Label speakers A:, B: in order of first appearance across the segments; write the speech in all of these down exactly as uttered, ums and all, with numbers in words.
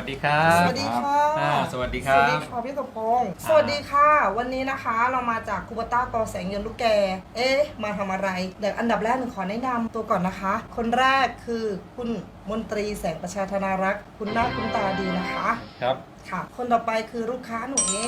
A: ดีครับ
B: สวัสดีค่ะ
A: อ่าสวัสดีค
B: ส
A: รั
B: วัส
A: บ
B: ดีค่ะพี่สมพงษ์สวัสดีค่ะ วันนี้นะคะเรามาจากคูบต้ากอแสงเงินลูกแก เอ๊ะ มาทำอะไร เดี๋ยวอันดับแรกหนูขอแนะนำตัวก่อนนะคะ คนแรกคือคุณมนตรีแสงประชาธนารักษ์ คุณหน้าคุณตาดีนะคะ
A: ครับ
B: ค่ะ คนต่อไปคือลูกค้าหนูเอง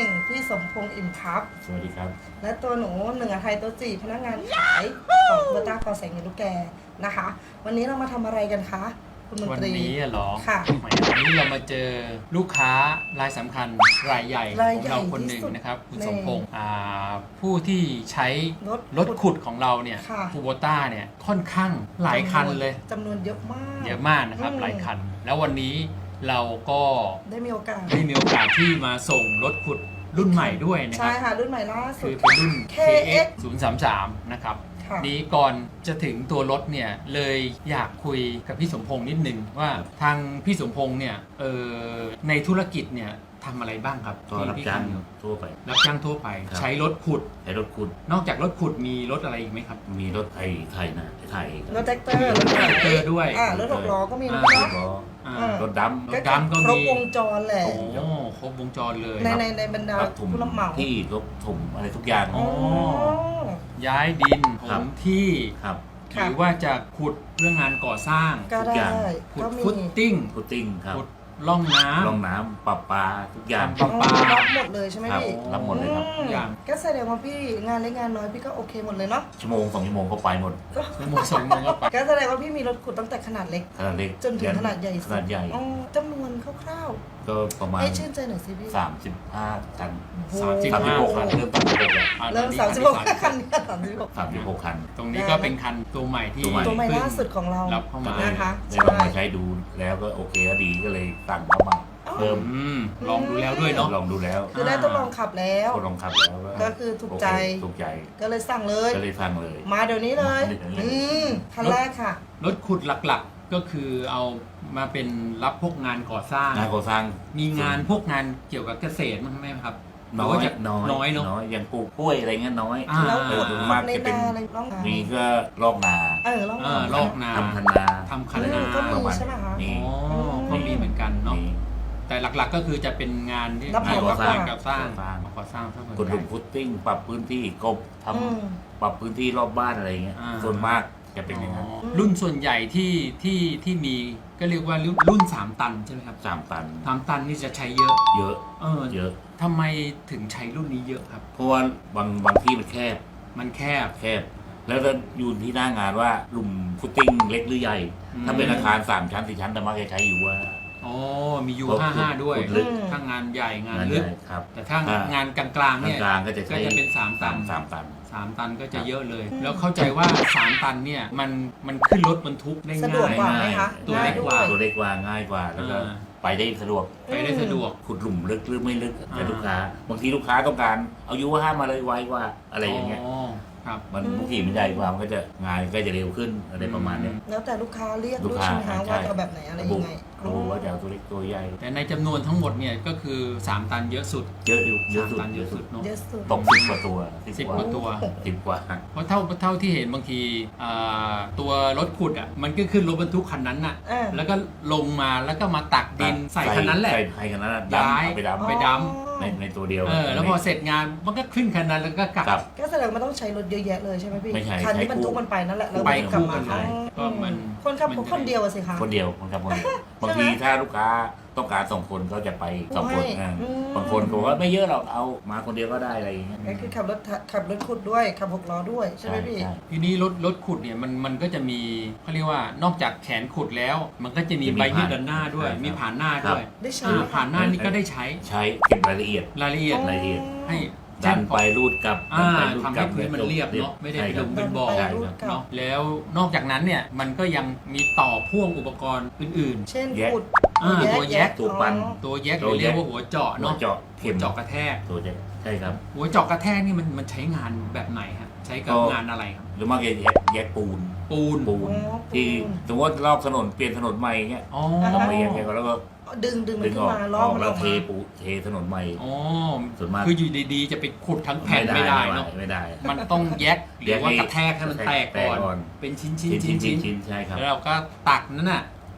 B: พี่สมพงษ์อิ่มครับ
C: สวัสดีครับ
B: และตัวหนูหนึ่งอาไทยตัวจีพนักงานขายของคูบต้ากอแสงเงินลูกแกนะคะ วันนี้เรามาทำอะไรกันคะคุณมน
A: วัน
B: ตรี
A: นี้เหรอ
B: ค่ะ
A: แหมวันนี้เรามาเจอลูกค้ารายสำคัญรายใหญ่
B: ราย
A: ของ
B: ใหญ่
A: เราคนหนึ่ง
B: ที่สุด
A: นะครับ คุณ
B: ใน
A: สมพงษ์อ่าผู้ที่ใช้
B: รถ
A: รถขุดของเราเนี่ย
B: ค่ะ
A: คูโบต้าเนี่ยค่อนข้างหลายคันเลย
B: จำนวนเยอะมาก
A: เยอะมากนะครับ
B: อืม
A: หลายคัน แล้ววันนี้เราก็
B: ได้มีโอกาส
A: ได้มีโอกาสที่มาส่งรถขุดรุ่นใหม่ด้วยนะค
B: ใช่
A: รับ
B: ค่ะ รุ่นใหม่ล่าสุ
A: คื
B: ด
A: อเป็นรุ่น
B: เค
A: เค
B: เอ็
A: เอ็
B: ก
A: ก
B: ซ์
A: ซ์ ศูนย์ สาม สาม นะครับ
B: ค่ะ
A: นี้ก่อนจะถึงตัวรถเนี่ยเลยอยากคุยกับพี่สมพงษ์นิดนึงว่าทางพี่สมพงษ์เนี่ยเออในธุรกิจเนี่ยทำอะไรบ้างครับ
C: ก็รับ
A: ที่พี่
C: จ้าง
A: ท
C: ทั่วไป
A: ำรับจ้างทั่วไป
C: ครับ
A: ใช้รถขุด
C: ใช้รถขุด
A: นอกจากรถขุดมีรถอะไรอีกไหมครับ
C: มีรถไถไถนะไถ
B: รถแท็กเตอร์
A: รถแท็กเตอร์ด้วย
B: อ่ารถหกล้อก็มีนะ
A: อ่า
B: พี่
C: ร
B: เนาะ
C: ถล้อ
A: อ่า
B: อ่า
C: รถด
A: รถดำก็
B: ครบ
A: มี
B: วงจรแหละ
A: โอ้ครบวงจรเลย
B: ในในในบรรดา
C: ำรับถุง
B: ผู้รับเหมา
C: ที่รถถุงอะไรทุกอย่าง
A: อ๋อ
B: อ๋อ
A: ย้ายดินถ
C: ครับ
A: มที่
C: ครับ
A: หรือว่าจะขุดเรื่องงานก่อสร้าง
B: ก็
C: ทุกอ
B: ได้
C: ย่าง
A: ขุด
B: ก็มี
A: ฟุตติ้ง
C: พุตติ้งครับ
A: ขุดร่องน้ำ
C: ร่องน้ำปรับปลาทุกอย่าง
A: ทำปลา
B: อ๋อรับหมดเลยใช่ไหม
C: ครับ
B: พี่
C: รับหมดเลยครับ
B: อืม
A: อย่าง
B: ก็แสดงว่าพี่งานเล็กงานน้อยพี่ก็โอเคหมดเลยเนาะ
C: ชั่วโมงสองชั่วโมงก็ไปหมด
B: ก็
A: ชั่วโมงสองโมงก็ไป
B: ก็แสดงว่าพี่มีรถขุดตั้งแต่ขนาดเล็ก
C: ขนาดเล็ก
B: จนถึงขนาดใหญ่
C: ขนาดใหญ่
B: อ๋อจำนวนคร่าว
C: ก็ประมา
B: ๆ
C: ณ
B: ให้ชื่นใจหน่อยสิพี่
C: สามสิบห้าตัน
B: โอ้
A: สามสิบ
C: สามสิบหกคันเริ่มสามสิบหกแล้ว
A: อ่า
B: เริ่ม
A: ตอนนี้
B: สามสิบหก
A: คัน
B: คัน
A: ที่
B: สามสิบหก
C: สามสิบหกคัน
A: ตรงนี้ก็เป็นคันตัวใหม่ที่
C: ตัวใหม่
B: ตัวใหม่
A: เพิ่ง
B: ล่าสุดของเรา
A: รับเข้ามา
B: นะคะ
C: ได้ลองมาใช้ดูแล้วก็โอเคก็ดีก็เลยสั่งเข้ามาเพิ่ม
A: อืมลองดูแล้วด้วยเนาะ
C: ลองดูแล้ว
B: คือได้ทดลองขับแล้ว
C: ก็ลองขับแล้ว
B: ก็คือถูกใจ
C: โอเคถูกใจ
B: ก็เลยสั่งเลย
C: ก็เลยฟังเลย
B: มาเดี๋ยวนี้เลย
C: มาเดี๋ยวนี้เลย
B: อืมคันแรกค่ะ
A: รถขุดหลักๆ ก็คือเอามาเป็นรับพวกงานก่อสร้าง
C: งานก่อสร้าง
A: มีงานพวกงานเกี่ยวกับเกษตรมั้างไหมครับ
C: น้อ
A: หรืว่าย จะ
C: น้อย
A: น้อยเนาะ
C: น้อยอย่างปลูกกล้วยอะไรเงี้ยน้อย
A: อ่า
B: แล้ว
C: เอ
B: ขุ
C: อ
B: ด
C: โดยมาก
B: ใน
C: จะเป็น
B: นาอะไรร้อง
C: มีก็ลอกนา
B: เออร้อง
A: เออลอกนา
C: ทำคันนา
A: ทำคัน
B: อื
A: นาม
B: ก็
C: ประ
B: มี
C: มาณ
B: ใช่ไหมคะ
C: มี
A: อ๋อก็มีเหมือนกันเนาะ
C: มี
A: แต่หลักๆก็คือจะเป็นงานที่
B: รับเห
A: งาน
B: มา
A: ก่อสร้าง
B: มากกว่า
A: ก่อสร้าง
C: ก่อสร้าง
A: ก่อสร้างซะส่วน
C: กด
A: ให
C: หลุ
A: ญ่
C: มฟุตติ้งปรับพื้นที่กบท
B: อืม
C: ำปรับพื้นที่รอบบ้านอะไรเงี้ย
A: อ่า
C: ส่วนมากจะเป็นอย่างนั้น
A: อ๋อรุ่นส่วนใหญ่ที่ที่ที่มีก็เรียกว่ารุ่นรุ่นสามตันใช่ไหมครับ
C: สามตัน
A: สามตันนี่จะใช้เยอะ
C: เยอะ
A: เออ
C: เยอะ
A: ทำไมถึงใช้รุ่นนี้เยอะครับ
C: เพราะว่าบางบางที่มันแคบ
A: มันแคบ
C: แคบ แล้วก็อยู่ที่หน้างานว่าหลุมฟุตติ้งเล็กหรือใหญ่
A: อืม
C: ถ้าเป็นอาคารสามชั้นสี่ชั้นแต่มักจะใช้อยู่ว่า
A: อ๋อมียู
C: เพราะ
A: ห้าห้าด้วย
C: ขุดลึก
A: ถ้างานใหญ่งาน
C: งาน
A: ลึ
C: ให
A: ก
C: ญ่ครับ
A: แต่ถ้า
C: อ่าง
A: านกลางๆเนี่ย
C: กลางๆก็จะ
A: ก็
C: ใช้
A: จะเป็นสามตัน
C: สามตัน
A: สามตันก็จะเยอะเลย แล้วเข้าใจว่าสามตันเนี่ยมันมันขึ้นรถบรรทุกได้
B: สะดวก
A: ง่าย
B: กว่าไหมคะ
A: ตัวเล็กกว่า
C: ตัวเล็กกว่าง่ายกว่าแล้วก็
A: อ่า
C: ไปได้สะดวก
A: ไปได้สะดวก
C: ขุดหลุมลึกหรือไม่ลึก
A: อ่า
C: แต่ลูกค้า บางทีลูกค้าต้องการเอายูห้ามาเลยไวกว่าอะไรอย่างเงี้ย
A: อ๋อครับ
C: มันบางทีมันใหญ่กว่ามันก็จะงานก็จะเร็วขึ้นอะไรประมาณเนี้ย
B: แล้วแต่ลูกค้าเรียก
C: ลู
B: ด้
C: ก
B: วย
C: ค้า
B: ใช่ไหมคะ
C: ใช่
B: ว่าจะเอาแบบไหนอะไรยังไง
C: รู้ว่าจะเอาตัวเล็กตัวใหญ่
A: แต่ในจำนวนทั้งหมดเนี่ยก็คือสามตันเยอะสุด
C: เยอะอยู่เยอะ
A: สาม
C: สุด
A: ตันเยอะสุดเนาะ
B: เยอะสุด
C: ตกสิบกว่าตัว
A: สิบกว่าตัว
C: สิบกว่า
A: เพราะเท่าเท่าที่เห็นบางทีอ่าตัวรถขุดอ่ะมันก็ขึ้นรถบรรทุกคันนั้นน่ะ
B: เออ
A: แล้วก็ลงมาแล้วก็มาตักดินใส่คันนั้นแหละ
C: ใส่ใส่คันนั้นอะ
A: ย้าย
C: ดำเอาไปดำ
A: ไปด
C: ในในตัวเดียว
A: เออแล้วพอเสร็จงานมันก็ขึ้นคันนั้นแล้วก็กลับ
C: กลับ
B: ก็แสดงว่าต้องใช้รถเยอะแยะเลยใช่ไหมพี่
C: ไม่ใช่
B: คันที่
C: ใช้
B: บรรทุก
C: คู่
B: มันไปนั่นแหละแล้ว
A: ไป
B: กลับ
A: คู่
B: มา
A: กันเลยก็มัน
B: คนขับ
A: มัน
B: คนเดียวอะสิคะ
C: คนเดียวคนขับคนเดียวบางทีถ้าลูกค้าต้องการสองคนก็จะไปสองคน
B: ให้
C: อ่า
B: อืม
C: บางคนก็บอกว่าไม่เยอะหรอกเอามาคนเดียวก็ได้อะไรอย่างเงี้ย
B: ก็คือขับรถขับรถขุดด้วยขับหกล้อด้วยใช่ไหมพี่
C: ใช่
A: ทีนี้รถรถขุดเนี่ยมันมันก็จะมีเขาเรียกว่านอกจากแขนขุดแล้ว มันก็จะมีใบมีดด้านหน้าด้วย มีผ่านหน้าด้วย
B: ได้ใช้
A: อ่า
B: ไหม
A: ผ่านหน้านี่ก็ได้ใช้
C: ใช้เก็บรายละเอียด
A: รายละเอียด
C: รายละเอียด
A: ให้
C: ดันไปรูดกลับ
A: อ่า
C: ดันไปรูด
A: ทำ
C: กลั
A: ให้พื้นมันเรียบเนาะไม่ได้
C: ใช่
A: เป็น
C: ค
A: ห
C: รั
A: ลุ
C: บ
A: มเป็นบ่อ
C: ใช่
B: รูด
C: ครับ
B: กลับ
A: เนาะแล้วนอกจากนั้นเนี่ยมันก็ยังมีต่อพ่วงอุปกรณ์อื่น
B: เช่น
C: แยก
B: ขุด
A: อ่าตัวแยก
C: ตัวปั้น
B: อ๋อ
A: ๆ ตัวแยกห
C: ตั
A: รื
C: ว
A: อ
C: แยก
A: เรียกว่าหัวเจาะ
C: หัว
A: เนาะ
C: เจาะ
A: หั
C: เข็
A: ว
C: ม
A: เจาะกระแทก
C: ตัวแยกใช่ครับ
A: หัวเจาะกระแทกนี่มันมันใช้งานแบบไหนครับใช้กับ
C: ก็
A: งานอะไรครับ
C: หรือมากจะแยกแยกปูน
A: ปูน
C: ปูน
B: อ๋อ
C: ที่
B: ปูน
C: สมมติว่ารอบถนนเปลี่ยนถนนใหม่เงี้ย
A: อ๋อ
C: ต้องไปแยกแยกก่อนแล้วก็
B: ดึงดึงมัน
C: ดึง
B: ขึ้
C: อน อก
B: มา
C: อ
B: ล้อ
C: อก
B: มัน
C: แล้
B: อ
C: ว
B: อก
C: เท
B: มา
C: ปูเทถนนใหม่
A: อ๋อ
C: ส่วนมาก
A: คืออยู่ดีๆ จะไปขุดทั้งแผ่นไม่ได้เนาะ
C: ไม่ได้
A: มันต้องแยกหรือว่ากระแทกให้มันแตกก่อน
C: แตกก่อน
A: เป็นชิ้นชิ้น
C: ชิ้น
A: ชิ้น
C: ชิ้น
A: ชิ้น
C: ชิ้นใช่ครับ
A: แล้วเราก็ตักนั่นน่ะ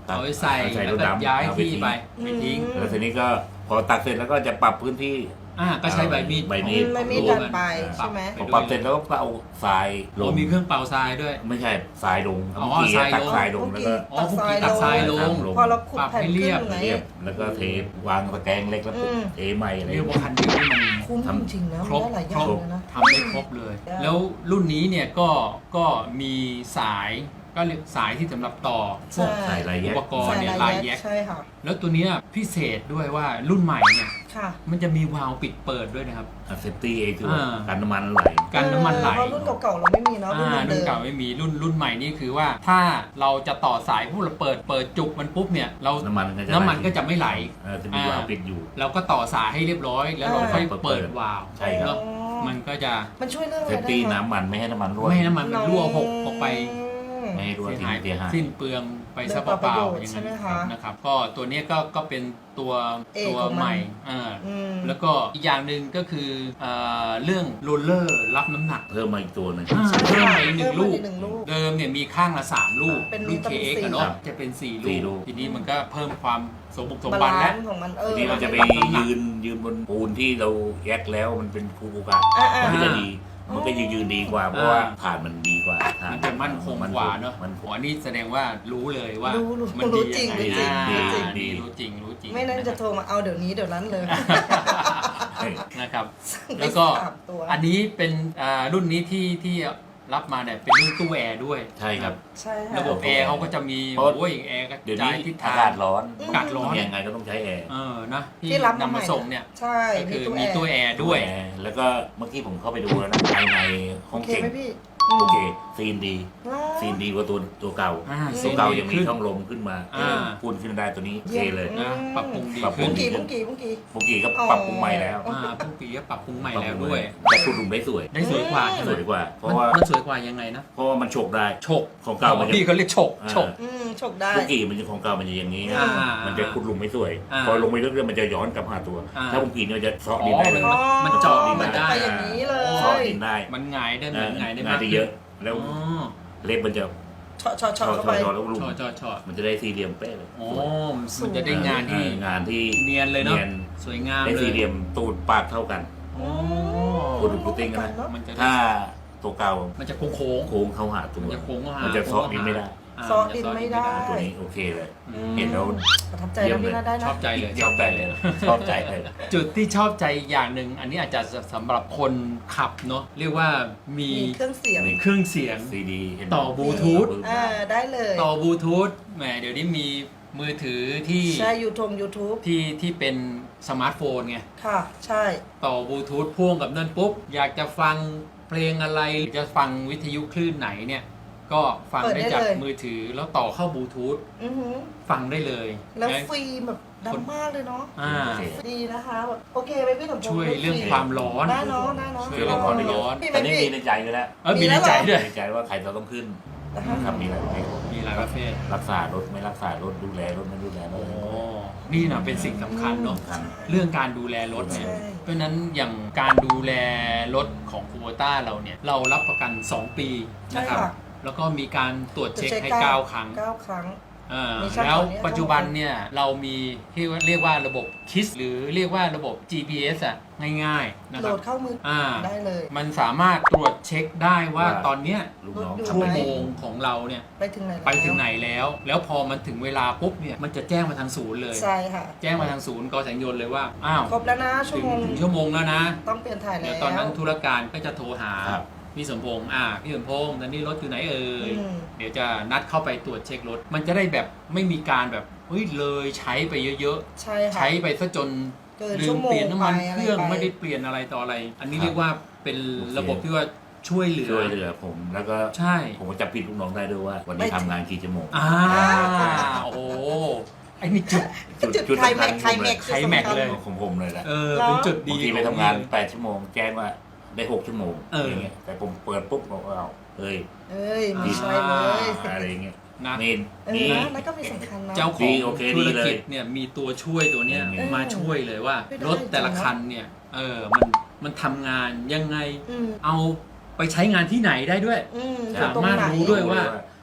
C: ตัก
A: เอาไว้ใส่
C: ใส่
A: แล้ว
C: รถ
A: ก็
C: ดำ
A: ย้าย
C: เอ
A: ที่ไป
B: อืม
A: ไปทิ้ง
C: แล้วทีนี้ก็พอตักเสร็จแล้วก็จะปรับพื้นที่
A: อ่าก็ใช้ใบมีด
C: ใบมีด
B: ไม่มี
A: รว
B: ดัน
A: กัน
B: ไป
A: ปรับ
B: ใช่ไหม
C: พอปรับเสร็จแล้วก็เอาทรายล
A: โอ้
C: ง
A: มีเครื่องเป่าทรายด้วย
C: ไม่ใช่ทรายลง
A: อ๋อ
C: เมื่อกี้
A: ทราย
C: ตัก
A: ลง
C: ทรายลงแล้วก็
A: อ๋อพวกกี้ตักทรายลง
B: พอเราขุด
A: ปรับ
B: แผ่น
A: ให้เรี
B: ขึ้
A: ย
B: น
A: บ
B: ไง
C: เรียบแล้วก็เทวางตะแกรงเล็กแล้วปุ๊บ
B: อืม
C: เทใหม่อะไร
A: เรียกว่าคันนี้มัน
B: คุ้ม
C: ทำ
B: จริงๆนะ
A: ครบ
B: มันได้หลายอย่างเลยนะ
A: ทำได้ครบเลย
B: ได้
A: แล้วรุ่นนี้เนี่ยก็ก็มีสายก็เรียกสายที่สำหรบต่อพวก
C: ใส่ลาย
A: อุ
C: แยก
A: ปกรณ์เนี่ยลายแยก
B: ใช่ค่ะ
A: แล้วตัวเนี้ยพิเศษด้วยว่ารุ่นใหม่เนี่ย
B: ค่ะ
A: มันจะมีวาล์วปิดเปิดด้วยนะครับ
C: เซฟตี้เองคือ
A: อ่า
C: การน้ำมันไหล
A: กันน้ำมันไหล
B: เพราะรุ่นเก่าๆเราไม่มีเนาะรุ่น
A: อ่า
B: เดิ
A: รุ่น
B: ม
A: เก่าไม่มีรุ่นรุ่นใหม่นี่คือว่าถ้าเราจะต่อสายพวกเราเปิดเปิดจุกมันปุ๊บเนี่ยเรา
C: น้ำมันก็จะ
A: น้ำมันก็จะไม่ไหล
C: เออจะมีวาล์วปิดอยู่
A: เราก็ต่อสายให้เรียบร้อย แล้วเราค่อยเปิดวาล์ว
C: ใช่ครับ
A: เนอะมันก็จะ
B: มันช่วยเรื่องอะ
C: เซ
B: ไร
C: ฟ
B: ได้
C: ตี้
B: คะ
C: น้ำมันไม่ให้น้ำมันรั่ว
A: ไม่ให้น้ำมันมันรั่วหกออกไป
C: ไม่ให้รั่ว
A: เสีย
C: ทิ้
A: หาย
C: งเสียหาย
A: สิ้นเปลืองไปซะเปล่าๆอย่างนั้นนะครับก็ตัวเนี้ยก็ก็เป็นตัว
B: เอก
A: ตัว
B: ของมัน
A: ใหม่อ่า
B: อืม
A: แล้วก็อีกอย่างหนึ่งก็คือเอ่อเรื่องโรลเลอร์รับน้ำหนัก
C: เพิ่มมาอีกตัวหนึง
A: อ่า
B: ใช่
A: เพิ่ม
B: ค่ะ
A: ไปอีกหนึ่ง
B: เพิ่
A: ลู
B: ม
A: ก
B: มาอีกหนึ่งลูก
A: เดิมเนี่ยมีข้างละสามลูก
B: เป็น
A: รุ่น
B: ต้
A: เค
B: อง
A: เอ็ก
B: สี่
A: กันเนาะจะเป็นสี่
C: สี่
A: ลู
C: ลู
A: ก
C: ก
A: ทีนี้มันก็เพิ่มความสมบุกสม
B: บา
A: บัน
B: ลา
A: และ
B: นซ์ของมันเออ
C: ทีนี้มันจะไป
A: รับน้ำหนัก
C: ยืนยืนบนปูนที่เราแยกแล้วมันเป็นคูกูกะ
B: อ่าๆ
C: มันก็จะดี มันก็ยืนยืนดีกว่าเพราะว่าฐานมันดีกว่าฐา
A: มันจะมั่นคงกว่าเนาะ
C: มันค
A: อ๋
C: ง
A: อนี่แสดงว่ารู้เลยว่า
B: รู้รู้
A: มัน
B: รู้
A: ดี
B: จริง
A: ยังไง
B: รู้จริง
A: อ่า
C: รู้จริง
A: นี่รู้จริงรู้จริง
B: ไม่นั้นจะโทรมาเอาเดี๋ยวนี้เดี๋ยวนั้นเลย
A: นะครับ
B: สั่งไป
A: แล้วก็
B: สามตัว
A: อันนี้เป็นอ่ารุ่นนี้ที่ที่รับมาเนี่ยเป็นรุ่นตู้แอร์ด้วย
C: ใช่ครับ
B: ใช่ค่ะ
A: ระบบแอร์เขาก็จะมี
C: เพราะ
A: โอ้ยแอร์กระ
C: เดี๋ยว
A: จา
C: นี้
A: ยทิศ
C: อา
A: ทาง
C: กาศร้อน
A: อากาศร้อน
C: ยังไงก็ต้องใช้แอร์
A: เออนะที่
B: ที่รับ
A: นำมาส่งเนี่ย
B: ใช่
A: ก็คือ
B: มี
A: มี
B: ตู้
A: ตู้
B: แอ
A: แอ
B: ร์
A: ร์ด้วย
C: แอร์แล้วก็เมื่อกี้ผมเข้าไปดูแล้วนะภายในห้
B: โอ
C: อง
B: เค
C: เก่ง
B: ไหมพี่
C: โอเคซีนดี
B: อืม
C: ซีนดีกว่าตัวตัวเก่า
A: อ่า
C: ตัวเก่า
A: ซีนดี
C: ยังมี
A: ขึ้น
C: ช่องลมขึ้นมา
A: อ่า
C: พูนขึ้นได้ตัวนี้โอเคเลย
B: อืม
A: นะปรับปรุงดี
C: ปรับปรุ
A: ขึ้
B: บุ้
A: น
B: งกี่บุ้งกี่บุ้งกี่
C: เมื่อกี้ก็
B: อ๋อ
C: ปรับปรุงใหม่แล้ว
A: อ่าทุกปีก็ปรับปรุงใหม่แล้วด้วย
C: แต่คุณลุงได้สวย
A: ได้สวยกว่าใช่ไห
C: ส
A: ม
C: วยกว่า เพ
A: มัน
C: ราะว่า
A: มันสวยกว่ายังไงนะ
C: เพราะว่ามันฉกได้
A: ฉก
C: ของเก่ามันจะ
A: พี่เขาเรียกฉก
C: อ่า
A: ฉก
B: อืมฉกได้
C: เมื่อกี้มันจะของเก่ามันจะอย่างนี้
A: อ่ามั
C: มันจะคุณลุงไม่สวย
A: อ่า
C: พอลงไปเรื่อยๆมันจะย้อนกลับหาตัว
A: อ่า
C: ถ้าเมื่อกี้เนี่ยมันจะเซาะ
A: อ๋
C: ดิน
A: อ
C: ได้เลย
A: มันมันเจาะดิน
B: มันจะ
A: ได้
B: ไปอย่างนี้เลย
C: เซาะดินได้
A: มันหงายได้เหมือนหงายได้
C: งาม
A: าน ก
C: ได้เยอะ แล้ว
A: อ๋อ
C: เล็บมันจะ
B: เฉาะเฉาะ
C: ชอ
B: เฉาะ
C: ช
B: เข้า
C: อ
B: ไป
C: ชอแล้วลุง
A: ชอชอชอ
C: มันจะได้สี่เหลี่ยมเป๊ะเลย
A: อ๋อ
C: สวย
A: มันจะได้งานที่
C: เอองานที่
A: เนียนเลยเนาะ
C: เนียน
A: สวยงาม
C: ได้
A: เล
C: สี่
A: ย
C: เหลี่ยมตูดปากเท่ากัน
A: อ๋อ
C: พูดถึงพุดดิ้งนะ
A: มันจะ
C: ถ้าตัวเก่า
A: มันจะโค้งโค้ง
C: โค้งเข้าหาตัว
A: มันจะโค้งเข้าหา
C: มันจะเซาะดินไม่ได้
A: า
B: เซาะดินไม่ได้
C: ตัวนี้โอเคเลย
A: อืม
C: เห็นแล้ว
B: ประทับใจแล้วพี่น่าได้นะ
A: ชอบใจเลย
C: ชอบใจเลยชอบใจเลย
A: จุดที่ชอบใจอย่างหนึ่งอันนี้อาจจะสำหรับคนขับเนาะเรียกว่ามี
B: มีเครื่องเสียง
A: เครื่องเสียง
C: ซีดีเห็น
A: ต่อบลูทูธ
B: อ่าได้เลย
A: ต่อบลูทูธแหมเดี๋ยวนี้มีมือถือที่
B: ใช่ยูทงยูทูบ
A: ที่ที่เป็นสมาร์ทโฟนไง
B: ค่ะ ใช่
A: ต่อบลูทูธพ่วงกับนั่นปุ๊บ อยากจะฟังเพลงอะไรหรือจะฟังวิทยุคลื่นไหนเนี่ย ก็ฟังได้จากมือถือแล้วต่อเข้าบลูทูธ
B: อือหือ
A: ฟังได้เลย
B: แล้ว
A: นะ
B: ฟรีแบบดังมากเลยเนาะ
A: อ่า
B: ดีนะคะแบบโอเคไหมพี่สมพงษ์
A: ช่วยเรื่องความร้อน
B: ได้เนาะได้เนาะ
A: ช่
C: คื
A: วย
C: อ
A: เรื่
C: เรา
A: อง
C: ข
A: ค
C: อ
A: วาม
C: ได้เย
A: ร้อน
C: อะแต่นี่มีในใจอยู่แล้ว
A: เออมีในใจด้วย
C: ในใจว่าใครจะต้องขึ้น
B: อ่าฮะ
C: ครับมีหลายประเภท
A: มีหลายประเภท
C: รักษารถไม่รักษารถดูแลรถไม่ดูแลร
A: โอ้
C: ถ
A: นี่นะเป็นสิ่งสำคัญเนาะ
C: สำคัญ
A: เรื่องการดูแลรถเนี่ย
B: ใช่
A: เพราะฉะนั้นอย่างการดูแลรถของคูโบต้าเราเนี่ย เรารับประกัน สอง ปีนะครับ
B: ใช่ค่ะ
A: แล้วก็มีการตรวจเช็คให้
B: ตรวจเช็ค
A: เก้าครั้ง
B: เก้าครั้ง
A: เออ
B: มีช่าง
A: แล้ว
B: ตัวเนี้ย
A: ปัจจุบันเนี่ยเรามีที่เรียกว่าระบบคิสหรือเรียกว่าระบบ จี พี เอส อ่ะง่ายๆนะ
B: โห
A: ค
B: ล
A: รับ
B: ดเข้ามือ
A: อ่า
B: ได้เลย
A: มันสามารถตรวจเช็คได้ว่า
C: ว่า
A: ตอนเนี้ย
C: ลูกน้อง
B: รถดู
C: ทำ
A: ชั่ว
C: อะไร
A: โมงของเราเนี่ย
B: ไปถึงไหนแล้ว
A: ไปถึงไหนแล้ว แล้วพอมันถึงเวลาปุ๊บเนี่ยมันจะแจ้งมาทางศูนย์เลย
B: ใช่ค่ะ
A: แจ้งมาทางศูนย์กอแสงยนต์เลยว่าอ้าว
B: ครบแล้วนะชั่
A: ถึ
B: ว
A: ง
B: โมง
A: ถึงชั่วโมงแล้วนะ
B: ต้องเปลี่ยนถ่ายแล้
A: เดี๋ยว
B: ว
A: ตอนนั้นธุรการก็จะโทรหา
C: ครับ
A: พี่สมพงษ์อ่าพี่สมพงษ์ตอนนี้รถอยู่ไหนเอ่ย
B: อืม
A: เดี๋ยวจะนัดเข้าไปตรวจเช็ครถ มันจะได้แบบไม่มีการแบบเฮ้ยเลยใช้ไปเยอะ
B: ใช่
A: ๆ
B: ค่ะ
A: ใช้ไปซะจน
B: เกิน
A: ลื
B: ชั่
A: ม
B: วโมง
A: เปลี่ยนน้ำมัน
B: ไป
A: เครื่อง
B: อะไรไป
A: ไม่ได้เปลี่ยนอะไรต่ออะไร อันนี้
C: ครับ
A: เรียกว่าเป็นระบบที่ว่าช่วยเหลือ
C: ช่วยเหลือผมแล้วก็
A: ใช่
C: ผมก็จับผิดลูกน้องได้ด้วยว่า วันนี้ทำงานกี่ชั่วโมง
A: อ่าโอ้โหไอ้นี่จุด
B: จุดไคลแม็กซ์ไคลแม็กซ์
A: ไคลแม็กซ์เลย
C: ของผมเลยแหละ
A: เออเป็นจุดดี
C: บางทีไปทำงานแปดชั่วโมงแจ้งว่าได้หกชั่วโมง
A: เอออ
C: ย่างเงี้ยแต่ผมเปิดปุ๊บบอกว่าเอาเอ้ย
B: เอ้ยไม่ใช่เลย
C: อะไรอย่างเงี้ย
A: นะ
C: นี่
B: เออ
C: นี่
B: นะนั่นก็มีสำคัญนะ
A: เจ้าข
C: ดี
A: อง
C: โอเค
A: ธุ
C: ดี
A: ร
C: เลย
A: กิจเนี่ยมีตัวช่วยตัวเนี้ย
C: เออ
A: มาช่วยเลยว่า
B: ไม่ได้
A: รถแต่ละคันเนี่ยเออมันมันทำงานยังไง
B: อืม
A: เอาไปใช้งานที่ไหนได้ด้วย
B: อืม
A: สามารถรู้ด้วยว่า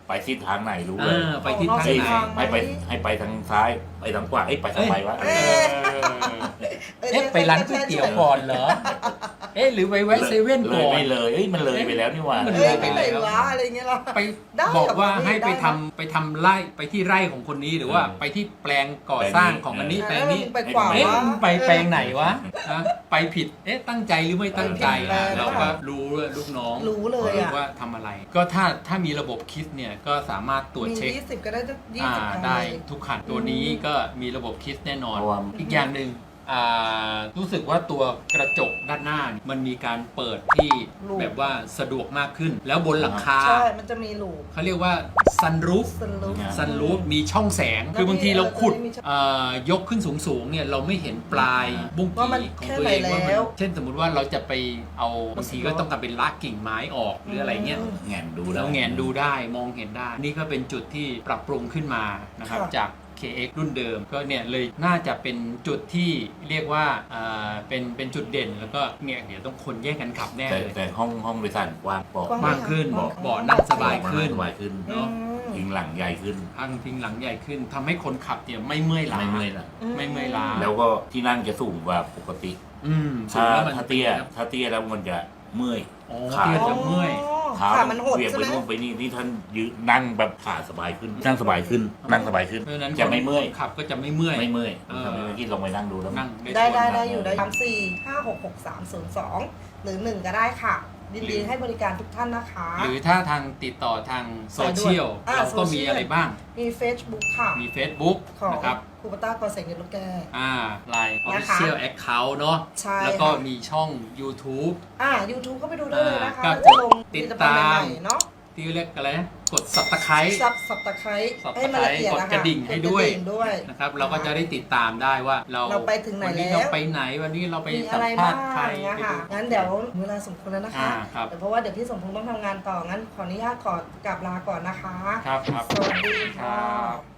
C: ไปทิศทางไหนรู้
A: เอ
C: เลย
A: อไปทิศทาง
C: เฮ้ย
A: ไหน
C: ให้ไปให้ไปทางซ้ายไปทางขวาเอ้ยไปทางไหนวะ
A: เออเอ๊ะไปร้านก๋วยเตี๋ยวก่อนเหรอ เอ๊ะหรือไปแวะเซเว่น
C: เล
A: ก่
C: ย
A: อน
C: ไม่เลยเอ้ยมันเลยไปแล้วนี่หว่า
A: มัน
B: เอ้ยไปไหนวะอะไรเงี้ยเหรอ
A: ไป
B: ได้
A: บอกว่า
B: ครับ
A: ให้ไป
B: ได้ค
A: ทำ
B: รับ
A: ไปทำไร่ไปที่ไร่ของคนนี้หรือว่าไปที่แปลงก่อสร้างของอันนี้แปลงนี้
B: ไปขวา
A: เอ๊ะ
B: วะ
A: มึงไปแปลงไหนวะนะไปผิด เอ๊ะตั้งใจหรือไม่ตั้งใจ
B: ไปผิดแปลง
A: เราก็รู้เลยลูกน้อง
B: รู้เลยอะ
A: ว่าทำอะไร ก็ถ้าถ้ามีระบบคิดเนี่ยก็สามารถตรวจ
B: มี
A: เช็ค
B: ยี่สิบก็ได้ยี่
A: อ่า
B: สิบครั้ง
A: ได้
B: เลย
A: ทุกขันตัวนี้ก็มีระบบคิดแน่นอน
C: เพราะว่า
A: อีกอย่างหนึ่งอ่ารู้สึกว่าตัวกระจกด้านหน้าเนี่ยมันมีการเปิดที่
B: ลูก
A: แบบว่าสะดวกมากขึ้น แล้วบนหลังคา
B: ใช่ มันจะมีหลูก
A: เขาเรียกว่าซันรูฟ
B: สลูป
A: ซันรูฟมีช่องแสง
B: แล้ว
A: คือบางทีเราขุด
B: มีช่อง
A: เอ่อยกขึ้นสูงๆเนี่ยเราไม่เห็นปลายบุ้ง
B: ว่ามัน
A: กี่ของ
B: แค่
A: ตัวเอง
B: ไหน
A: ว่ามั
B: แล้ว
A: นเช่นสมมุติว่าเราจะไปเอาบางทีก็ต้องการเป็นลากกิ่งไม้ออกหรืออะไรเงี้ย
C: แงนดู
A: เรา
C: ได้
A: แงนดูได้มองเห็นได้ นี่ก็เป็นจุดที่ปรับปรุงขึ้นมานะครับ
B: ค่ะ
A: จาก เค เอ็กซ์ รุ่นเดิมก็เนี่ยเลยน่าจะเป็นจุดที่เรียกว่าอ่าเป็นเป็นจุดเด่นแล้วก็เนี่ยเดี๋ยวต้องคนแย่งกันขับแน่
C: แต่
A: เลย
C: แต่ห้องห้องโดยสารกว้างเบาะ
B: กว้าง
A: มากขึ้น
B: กว้าง
A: เบาะนั่งสบายขึ้น
C: สบายขึ้น
A: เนอะ
B: อืม
C: พิงหลังใหญ่ขึ้น
A: ทางพิงหลังใหญ่ขึ้นทำให้คนขับเนี่ยไม่เมื่อยล้า
C: ไม่เมื่อยละ
A: ไม่เมื่อยล้า
C: แล้วก็ที่นั่งจะสูงกว่าปกติ
A: อืมสู
C: ถ้าง
A: แล้วมัน
C: ถ้าเตี้ยถ้าเตี้ยแล้วมันจะเมื่อย
A: อ๋อ
C: ขา
A: เตี้ยจะเมื่อย
C: เท้า
B: ขามันหด
C: เวียง
B: ใช่
C: ไป
B: ไหม
C: นู่นไปนี่นี่ท่านยืนนั่งแบบขาสบายขึ้น นั่งสบายขึ้น นั่งสบายขึ้น
A: เพราะฉะนั้น
C: จะไม่เมื่อย
A: คนขับก็จะไม่เมื่อย
C: ไม่เมื่อย
A: เออ
C: ทำให้ที่ลองไปนั่งดูแล้ว
A: นั่ง
B: ได้
A: ส่วน
B: ได้
A: นั่ง
B: ได้อยู่ได้สามสี่ห้าหกหกสามศูนย์สองหรือหนึ่งก็ได้ค่ะ ยินดีให้บริการทุกท่านนะคะ
A: หรือถ้าทางติดต่อทางโซเชียล
B: อ่า
A: เราก็
B: โซเชี
A: มี
B: ยล
A: อะไรบ้าง
B: มี Facebook ค่ะ
A: มี Facebook
B: ของ
A: นะครับ
B: คูปต้ากอแสงเงินลูกแก
A: อ่าไลน์
B: นะคะ
A: Official Account เนาะ
B: ใช่
A: แล้วก็
B: ค่ะ
A: มีช่อง YouTube
B: อ่า YouTube ก็ไปดูได้เลยนะคะ
A: อ่า
B: แล้วจะลง
A: ติด
B: ผลิภัณฑ์
A: ตาม
B: ใหม่ๆเนาะ
A: ที่เรียกอะไรนะกด Subscribe
B: ซับสับตะไคร้
A: Subscribe
B: ให้มันละเอียด
A: กด
B: นะ
A: ก
B: คะ
A: ระดิ่งให้ด้วย
B: กระงด้วย
A: นะครับเราก็จะได้ติดตามได้ว่าเรา
B: เราไปถึงไหน
A: วันนี้
B: แล้ว
A: เราไปไหนวันนี้เราไป
B: มี
A: สั
B: อะ
A: ม
B: ไร
A: ภา
B: บ้า
A: ษ
B: ง
A: ณ์ใคร
B: นะ
A: ไป
B: คะ
A: ดู
B: งั้นเดี๋ยวเวลาสมควรแล้วนะคะ
A: อ่าครับ
B: แต่เพราะว่าเดี๋ยวพี่สมพงษ์ต้องทำงานต่องั้นขออนุญาตก่อนกลับลาก่อนนะคะ
A: ครับครับ
B: สวัสดี
A: ครั
B: ค่ะ
A: บ